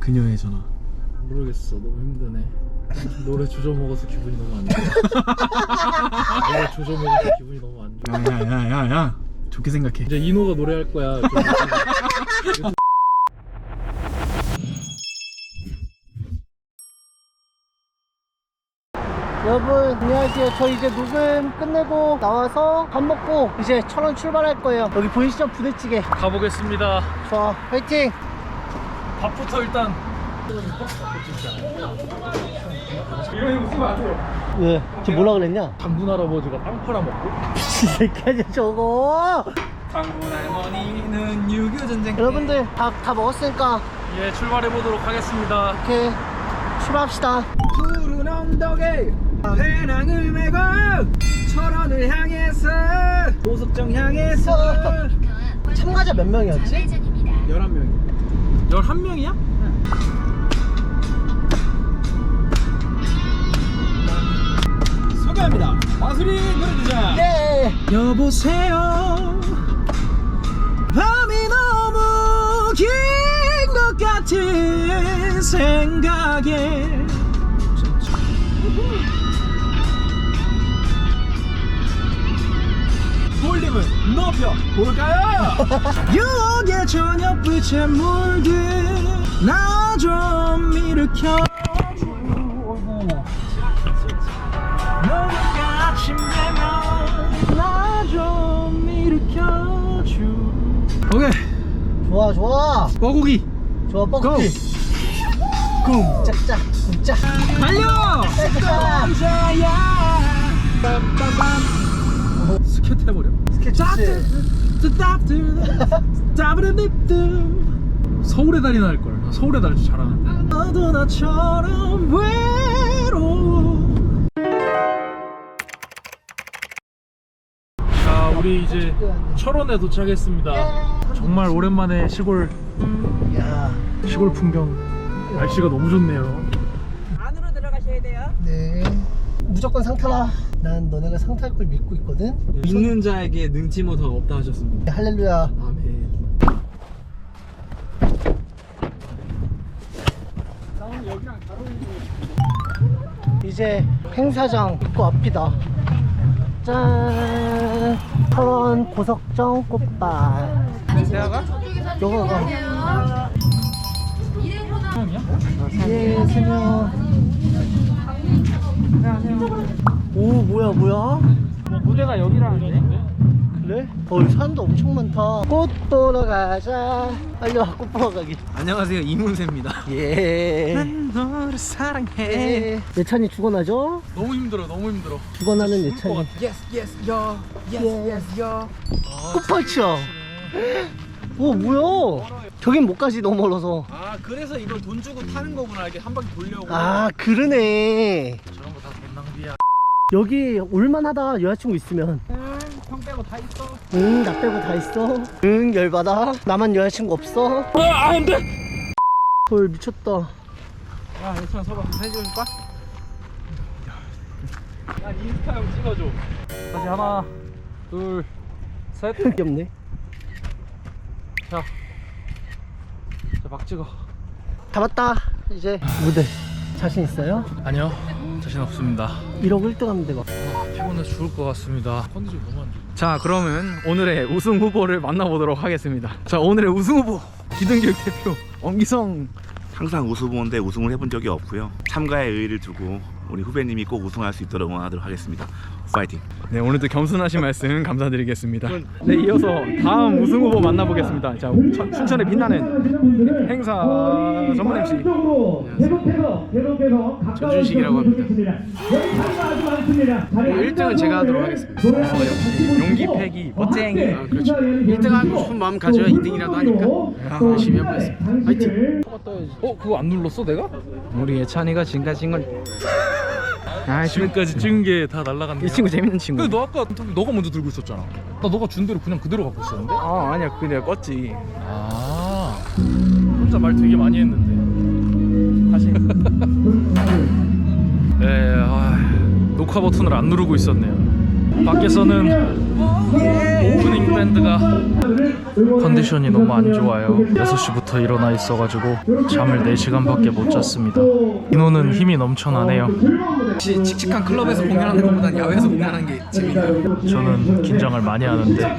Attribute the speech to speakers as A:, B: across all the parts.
A: 그녀의 전화.
B: 모르겠어. 너무 힘드네. 노래 조져 먹어서 기분이 너무 안 좋아. 노래 조져 먹어서 기분이 너무 안 좋아.
A: 야야야야야, 좋게 생각해.
B: 이제 이노가 노래할 거야.
C: 여러분 안녕하세요. 저 이제 녹음 끝내고 나와서 밥 먹고 이제 철원 출발할 거예요. 여기 보이시죠? 부대찌개.
B: 가보겠습니다.
C: 좋아, 화이팅!
B: 밥부터 일단. 이런 거 쓰면 안 돼요.
C: 왜? 저 뭐라 그랬냐?
B: 장군 할아버지가 빵 팔아먹고.
C: 미친 새끼야 저거.
B: 장군 할머니는 6.25 전쟁.
C: 여러분들 다 먹었으니까
B: 예, 출발해보도록 하겠습니다.
C: 이렇게 출발합시다.
B: 푸른 언덕에 배낭을 메고 철원을 향해서 고속정 향해서.
C: 참가자 몇 명이었지?
B: 11명이야. 11명이야? 소개합니다. 마수리 노래주자.
C: 네.
B: 여보세요. 밤이 너무 긴 것 같은 생각에 볼륨을 높여볼까요? 유혹의 저녁빛에 물든 나 좀 일으켜. 너가 아침 되면 나 좀 일으켜줘. 오케이.
C: 좋아 좋아
B: 뻐고기
C: 좋아. 뻐꾸기 쿵 짝짝 쿵짝
B: 달려!
C: 짝짝.
B: 남자야. 빰빰빰. 스케트 해버려. 서울의 달이나 할걸. 서울의 달 잘하는데. 너도 나처럼 외로워. 자, 우리 이제 철원에 도착했습니다. 정말 오랜만에 시골
C: 야.
B: 풍경. 날씨가 너무 좋네요.
D: 안으로 들어가셔야 돼요.
C: 네. 무조건 상타라. 난 너네가 상타할 걸 믿고 있거든.
E: 믿는 자에게 능치 못한 없다 하셨습니다.
C: 할렐루야.
E: 아멘.
C: 이제 행사장 입구 앞이다. 짠. 철원 고석정 꽃밭. 너가 가. 예, 세 명. 오, 뭐야?
B: 무대가 여기라는데?
C: 그래? 여기 사람도 엄청 많다. 꽃 보러 가자. 빨리 와, 꽃 보러 가기.
E: 안녕하세요, 이문세입니다.
C: 예.
E: 난 너를 사랑해.
C: 예. 예찬이 죽어나죠?
B: 너무 힘들어.
C: 죽어나는 예찬이.
E: Yes, yes, yo. Yes, yes, yo.
C: 꽃밭이야. 오, 뭐야? 저긴 못 가지, 너무 멀어서.
E: 아, 그래서 이걸 돈 주고 타는 거구나. 이렇게 한 바퀴 돌려고.
C: 아, 그러네.
B: 저런 거 다 돈 낭비야.
C: 여기 올만하다, 여자친구 있으면.
E: 형 빼고 다 있어.
C: 응, 나 빼고 다 있어. 응, 열받아. 나만 여자친구 없어.
B: 안 돼!
C: 헐, 미쳤다.
E: 야, 예찬아, 서봐. 사진 찍어줄까?
B: 난 인스타용 찍어줘. 다시 하나, 둘, 셋.
C: 귀엽네.
B: 자, 막 찍어.
C: 다 봤다. 이제 무대. 자신 있어요?
B: 아니요, 자신 없습니다.
C: 1억 1등 하면 돼, 막.
B: 피곤해서 죽을 것 같습니다. 컨디션 너무 안 좋아.
E: 자, 그러면 오늘의 우승 후보를 만나보도록 하겠습니다. 자, 오늘의 우승 후보 기등교육 대표 엄기성.
F: 항상 우승후보인데 우승을 해본 적이 없고요. 참가의 의의를 두고 우리 후배님이 꼭 우승할 수 있도록 응원하도록 하겠습니다. 파이팅!
E: 네, 오늘도 겸손하신 말씀 감사드리겠습니다. 네, 이어서 다음 우승 후보 만나보겠습니다. 자, 춘천에 빛나는 행사 전문 MC
G: 전준식이라고 합니다. 1등은 제가 하도록 하겠습니다.
E: 역시 용기 패기 멋쟁이.
G: 그렇죠. 1등 하고 싶은 마음 가져야 2등이라도 하니까 열심히 해보겠습니다. 화이팅!
B: 그거 안 눌렀어 내가?
E: 우리 예찬이가 지금까지 찐 걸.
B: 지금까지 찍은 게 다 날라갔네.
E: 이 친구 재밌는 친구.
B: 근데 너 아까 너가 먼저 들고 있었잖아. 나 너가 준 대로 그냥 그대로 갖고 있었는데?
E: 아, 아니야, 그게 내가 껐지.
B: 아, 혼자 말 되게 많이 했는데. 다시. 네, 녹화 버튼을 안 누르고 있었네요. 밖에서는 오프닝 밴드가 컨디션이 너무 안 좋아요. 6시부터 일어나 있어가지고 잠을 4시간밖에 못 잤습니다. 인호는 힘이 넘쳐나네요.
E: 혹시 칙칙한 클럽에서 공연하는 것보단 야외에서 공연하는 게 재밌나요?
B: 저는 긴장을 많이 하는데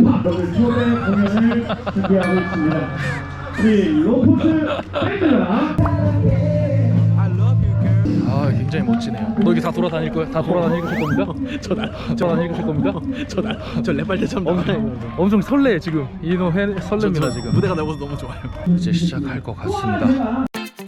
B: 아 굉장히 멋지네요. 너 여기 다 돌아다닐 거야? 다 돌아다니실 겁니까? 저 다니실 겁니까?
E: 저 랩할 때참
B: 엄청 설레 지금. 인호 설렙니다 지금.
E: 무대가 넓어서 너무 좋아요.
B: 이제 시작할 것 같습니다.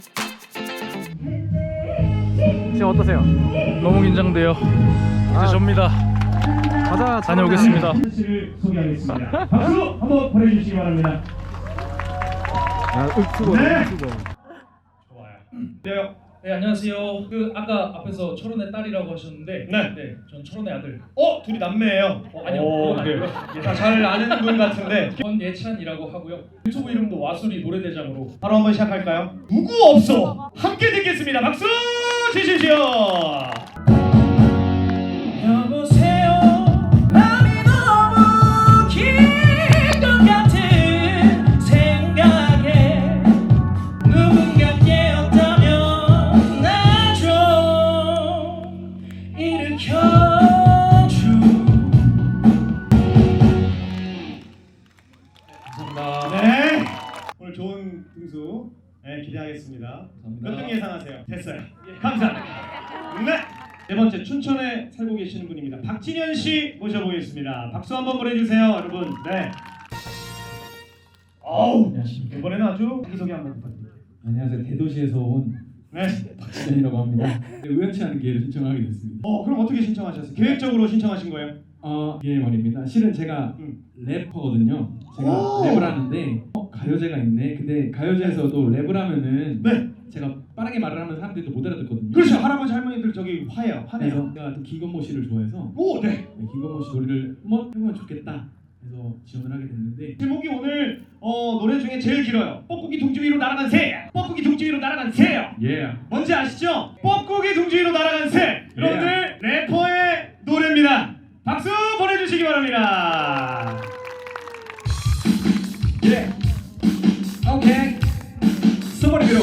E: 지금 어떠세요?
B: 너무 긴장돼요. 이제 접니다.
E: 가자.
B: 다녀오겠습니다.
H: 씨를 소개하겠습니다. 박수 한번 보내주시기 바랍니다. 네. 좋아요.
I: 네 안녕하세요. 그 아까 앞에서 철원의 딸이라고 하셨는데
H: 네.
I: 전 철원의 아들.
H: 둘이 남매예요.
I: 아니요.
H: 오,
I: 그건
H: 네.
I: 아니고요.
H: 다 잘 아는 분 같은데.
I: 권예찬이라고 하고요. 유튜브 이름도 와수리 노래대장으로.
H: 바로 한번 시작할까요? 누구 없어. 함께 듣겠습니다. 박수 주십시오.
I: 여보세요. 마음이 너무 긴 것 같은 생각에 누군가 깨었다면 나 좀 일으켜줘. 감사합니다.
H: 네. 오늘 좋은 등수 기대하겠습니다. 몇 등 예상하세요? 됐어요. 감사합니다. 네. 네 번째 춘천에 살고 계시는 분입니다. 박진현 씨 모셔보겠습니다. 박수 한번 보내주세요, 여러분. 네. 어우, 이번에는 아주 자기소개 한번 부탁드립니다.
J: 안녕하세요. 대도시에서 온
H: 네.
J: 박진현이라고 합니다. 우연치 않은 기회를 신청하게 됐습니다.
H: 그럼 어떻게 신청하셨어요? 계획적으로 신청하신 거예요?
J: 예 말입니다. 실은 제가 래퍼거든요. 제가 랩을 하는데 가요제가 있네. 근데 가요제에서도 랩을 하면은
H: 네.
J: 제가 빠르게 말을 하면 사람들이 또 못 알아듣거든요.
H: 그렇죠. 할아버지 할머니들 저기 화해요.
J: 그래서
H: 화내요.
J: 제가 또 김건모 씨를 좋아해서
H: 오, 네.
J: 네, 김건모 씨 노래를 한번 해보면 좋겠다. 그래서 지원을 하게 됐는데
H: 제목이 오늘 노래 중에 제일 길어요. 뻐꾸기 둥지 위로 날아간 새. 뻐꾸기 둥지 위로 날아간 새요.
J: 예.
H: 뭔지 아시죠? 뻐꾸기 둥지 위로 날아간 새. 여러분들 래퍼의 노래입니다. 박수 보내주시기 바랍니다.
J: 예. 오케이. 써버리기로.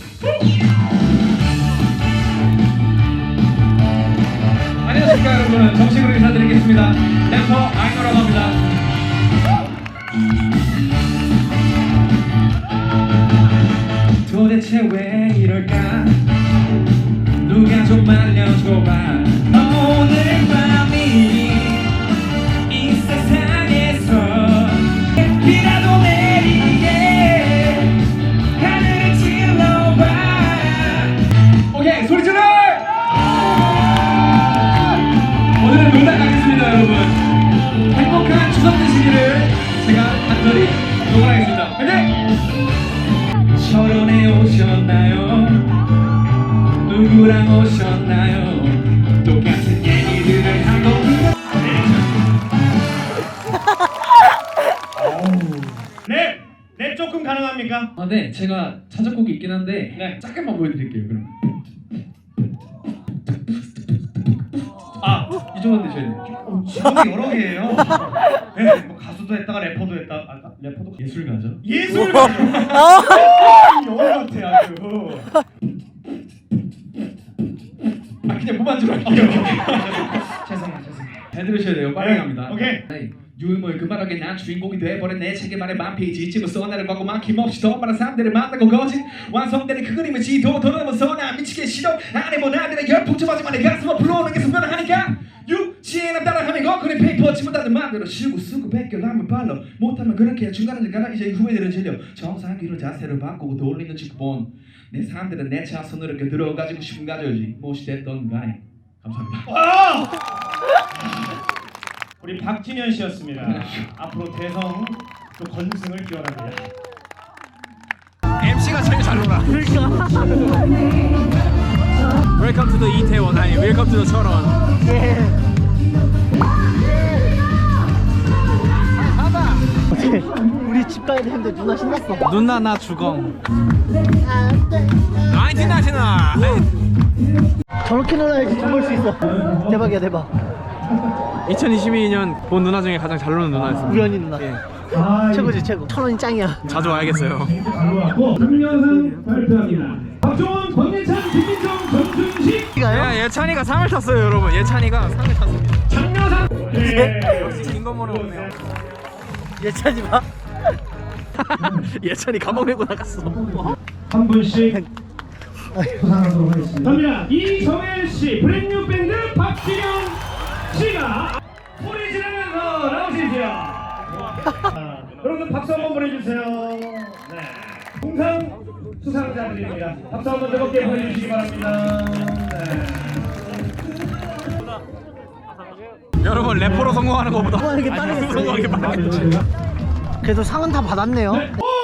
J: 안녕하십니까 여러분. 정식으로 인사드리겠습니다. 래퍼 아이노라고 합니다. 도대체 왜 이럴까? 누가 좀 알려줘봐. 오늘 밤이 이 세상에서 비라도 내리게 하늘을 찔러봐. 오케이 소리 질러! 오늘은 농담 가겠습니다 여러분. 행복한 추석 되시기를 제가 간절히 응원하겠습니다. 화이팅! 철원에 오셨나요? 누구랑 오셨나요? 똑같은 얘기들을 하고
H: 랩 조금 가능합니까?
J: 네, 제가 찾아곡이 있긴 한데
H: 네.
J: 잠깐만 보여드릴게요. 그럼 이 정도 되셔야 돼요.
H: 직업이 여러 개예요. 네, 뭐 가수도 했다가 래퍼도 했다가 래퍼도
J: 예술가죠.
H: 예술가죠. 영화 같아 아주.
J: 그냥 무반주로 할게요. 죄송해요. 잘 들으셔야 돼요. 빨리 갑니다.
H: 오케이.
J: 유물 그만하게 난 주인공이 돼버린 내 책에만의 만 페이지 써 나를 광고 막힘없이 더 많은 사람들을 만나고 거짓 완성되는 그 그림의 지도 더 넘어서 나 미치게 싫어 안에 뭐 나들의 열풍점하지만 내 가슴을 불러오는 게 선별하니까 유치해나 따라하면 거꾸로 페이퍼 지문 다들 마음대로 쉬고 쓰고 베껴라면 발로 못하면 그렇게 중간에 가라 이제 후배들은 질려 정상기로 자세를 바꾸고 돌리는 직본 내 사람들은 내 차선으로 이렇게 들어가지고 싶은 가져오지 무엇이 됐던 간에 감사합니다.
H: 우리 박진현 씨였습니다. 앞으로 대성 또 건승을 기원합니다.
E: MC가 제일 잘 놀아. Welcome to the 이태원 아니 Welcome to the 철원.
C: 우리 집 가야 되는데 누나 신났어.
E: 누나 나 주공. 1999.
C: 저렇게 놀아야지 돈 벌 수 있어. 대박이야 대박.
E: 2022년 본 누나 중에 가장 잘 노는 누나였습니다.
C: 우연히 누나. 최고지 최고. 1,000원이 짱이야.
E: 자주 와야겠어요.
H: 금년상 발표합니다. 박종원, 권예찬, 김민정, 정준식.
E: 예, 예찬이가 상을 탔어요, 여러분. 예찬이가 상을 탔습니다.
H: 장려상.
E: 역시 김건모는 없네요.
C: 예찬이 봐.
E: 예찬이 가방 메고 나갔어.
H: 한 분씩 수상하도록 하겠습니다. 갑니다. 이정혜 씨, 브랜뉴 밴드 박진영 씨가 소리 지르면서 나오시죠. 여러분들 박수 한번 보내주세요. 네. 동상 수상자들입니다. 박수 한번 뜨겁게 보내주시기 바랍니다. 네.
E: 여러분 래퍼로 성공하는 것보다
C: 성공하는 게 빠르겠어요.
E: 성공하는 게 빠르겠지.
C: 그래도 상은 다 받았네요.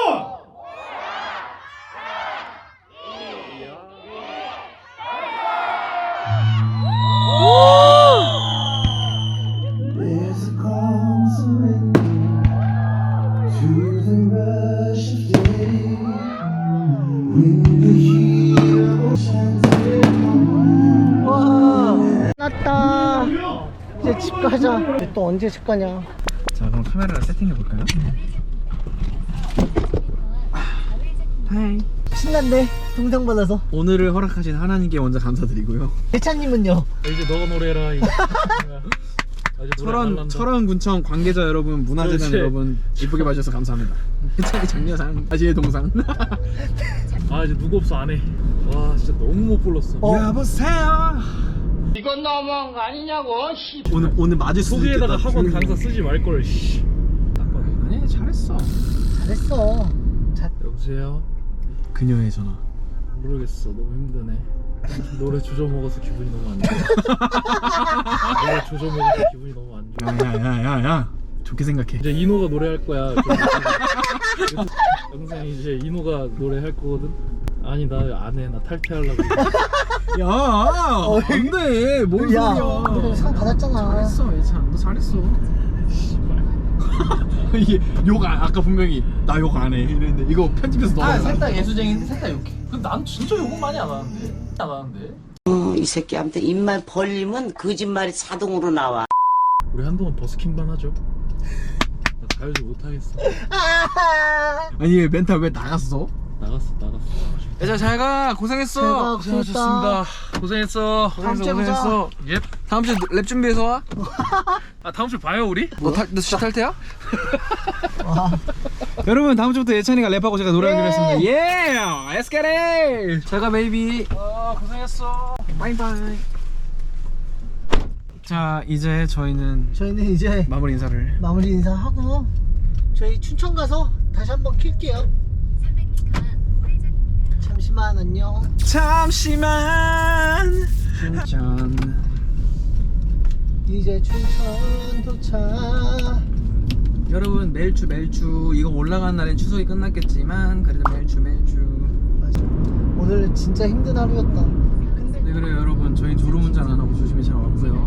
C: 와, 났다. 이제 집 가자. 또 언제 집 가냐?
E: 자, 그럼 카메라를 세팅해 볼까요? 하이.
C: 신난데 동상 받아서.
E: 오늘을 허락하신 하나님께 먼저 감사드리고요.
C: 예찬님은요?
B: 이제 너가 노래해라.
E: 철원군청 관계자 여러분, 문화재단
B: 그렇지.
E: 여러분, 이쁘게 봐주셔서 감사합니다. 예찬이 장려상, 아지의 동상.
B: 아 이제 누구 없어 안 해. 와 진짜 너무 못 불렀어.
E: 여보세요.
C: 이건 너무한 거 아니냐고.
E: 오늘 맞을 수도 있겠다.
B: 소개에다가 학원 강사 쓰지 말 걸.
E: 아니 잘했어.
C: 잘했어.
B: 여보세요.
E: 그녀의 전화.
B: 모르겠어. 너무 힘드네. 노래 조져 먹어서 기분이 너무 안 좋아. 노래 조져 먹어서 기분이 너무 안 좋아.
A: 야야야야 좋게 생각해.
B: 이제 이노가 노래할 거야. 영상 이제 이노가 노래할 거거든. 아니 나 안 해. 나 탈퇴하려고.
E: 야, 안돼. 뭔
C: 야,
E: 소리야?
C: 너 상 받았잖아.
E: 잘했어, 예찬. 너 잘했어. 이게 아까 분명히 나 욕 안 해 이랬는데 이거 편집해서 넣어.
B: 셋다 예수쟁인데 셋다 욕해. 근데 난 진짜 욕은 많이 안 하는데.
K: 이 새끼한테 입만 벌리면 거짓말이 자동으로 나와.
B: 우리 한동안 버스킹만 하죠. 나 가요제 못하겠어.
E: 아니 왜 멘탈 왜 나갔어?
B: 나갔어.
E: 예찬 잘가. 고생했어.
C: 고생했다.
B: 고생했어.
C: 다음 주에 보자.
B: 예.
E: 다음 주에 랩 준비해서 와.
B: 아 다음 주 봐요 우리?
E: 너 진짜 탈퇴야? 여러분 다음 주부터 예찬이가 랩하고 제가 노래하기로 했습니다. 예! Let's get it! 잘가 베이비.
B: 고생했어.
E: 바이바이. 자 이제 저희는
C: 이제
E: 마무리 인사를.
C: 마무리 인사하고 저희 춘천 가서 다시 한번 킬게요. 잠시만 안녕.
E: 잠시만. 춘천.
C: 이제 춘천 도착.
E: 여러분 매일주 이거 올라가는 날엔 추석이 끝났겠지만 그래도 매일주
C: 맞아. 오늘 진짜 힘든 하루였다.
E: 네 그래요 여러분 저희 졸음운전 안 하고 조심히 잘 왔고요.